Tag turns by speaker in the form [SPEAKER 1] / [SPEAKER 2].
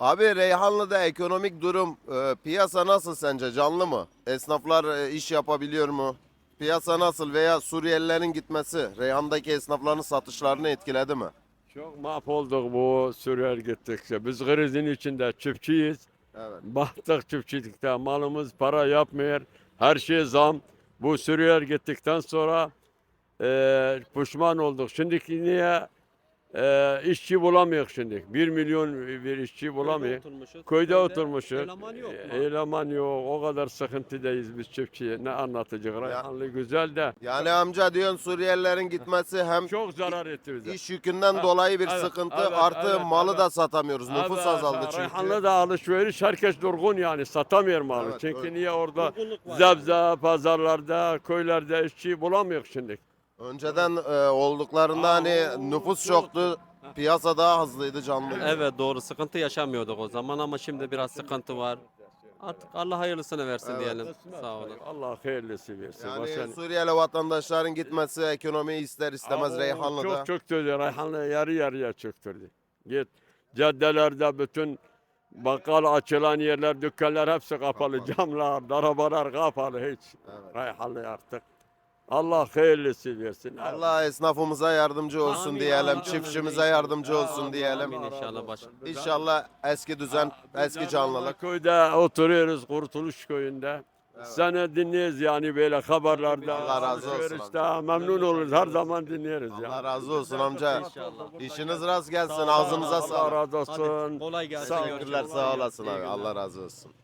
[SPEAKER 1] Abi Reyhanlı'da ekonomik durum, piyasa nasıl sence? Canlı mı? Esnaflar iş yapabiliyor mu? Piyasa nasıl veya Suriyelilerin gitmesi Reyhan'daki esnafların satışlarını etkiledi mi?
[SPEAKER 2] Çok mahvolduk bu Suriyel gittikçe. Biz krizin içinde çiftçiyiz.
[SPEAKER 1] Evet.
[SPEAKER 2] Battık çiftçilikte. Malımız para yapmıyor. Her şey zam. Bu Suriyel gittikten sonra pişman olduk. Şimdiki niye işçi bulamıyor şimdi? 1 milyon bir işçi bulamıyor. Köyde oturmuşuz.
[SPEAKER 3] Eleman yok mu?
[SPEAKER 2] Eleman yok. O kadar sıkıntıdayız biz çiftçiye. Ne anlatacak? Reyhanlı güzel de
[SPEAKER 1] Yani amca diyorsun Suriyelilerin gitmesi hem
[SPEAKER 2] çok zarar etti bize.
[SPEAKER 1] iş yükünden
[SPEAKER 2] Ha,
[SPEAKER 1] dolayı bir
[SPEAKER 2] evet,
[SPEAKER 1] sıkıntı
[SPEAKER 2] evet,
[SPEAKER 1] artı
[SPEAKER 2] evet,
[SPEAKER 1] malı
[SPEAKER 2] evet.
[SPEAKER 1] da satamıyoruz. Nüfus
[SPEAKER 2] Evet,
[SPEAKER 1] azaldı çünkü.
[SPEAKER 2] Reyhanlı'da alışveriş herkes durgun yani satamıyor malı.
[SPEAKER 1] Evet,
[SPEAKER 2] Çünkü
[SPEAKER 1] öyle.
[SPEAKER 2] niye orada
[SPEAKER 3] Durgunluk var
[SPEAKER 2] zebze, pazarlarda, köylerde işçi bulamıyor şimdi.
[SPEAKER 1] Önceden olduklarında hani nüfus çoktu. Piyasa daha hızlıydı, canlıydı.
[SPEAKER 3] Evet doğru, sıkıntı yaşamıyorduk o zaman ama şimdi biraz sıkıntı var. Artık Allah hayırlısını versin diyelim. Sağ olun.
[SPEAKER 2] Allah hayırlısı versin.
[SPEAKER 1] Yani
[SPEAKER 2] Başka-
[SPEAKER 1] Suriyeli vatandaşların gitmesi ekonomiyi ister istemez
[SPEAKER 2] Aa,
[SPEAKER 1] Reyhanlı'da.
[SPEAKER 2] Çok çöktürdü. Reyhanlı yarı yarıya çöktürdü. Git caddelerde bütün bakkal açılan yerler, dükkanlar hepsi kapalı. Camlar, arabalar kapalı hiç. Reyhanlı artık. Allah hayırlısı versin.
[SPEAKER 1] Allah esnafımıza yardımcı olsun
[SPEAKER 3] Amin,
[SPEAKER 1] diyelim,
[SPEAKER 3] amin,
[SPEAKER 1] çiftçimize
[SPEAKER 3] amin.
[SPEAKER 1] yardımcı olsun diyelim.
[SPEAKER 3] Amin inşallah başım.
[SPEAKER 1] İnşallah eski düzen, eski canlılık.
[SPEAKER 2] Köyde oturuyoruz Kurtuluş köyünde. Seni dinliyoruz yani böyle haberlerde.
[SPEAKER 1] Allah razı olsun
[SPEAKER 2] alışverişte memnun oluruz. Her zaman dinliyoruz ya.
[SPEAKER 1] Allah razı olsun amca.
[SPEAKER 3] İnşallah.
[SPEAKER 1] İşiniz rast gelsin,
[SPEAKER 3] Sağ ol,
[SPEAKER 1] ağzınıza
[SPEAKER 2] Allah
[SPEAKER 1] sağlık.
[SPEAKER 2] razı olsun.
[SPEAKER 3] Kolay gelsin.
[SPEAKER 1] Teşekkürler, sağ olasın abi. Allah razı olsun.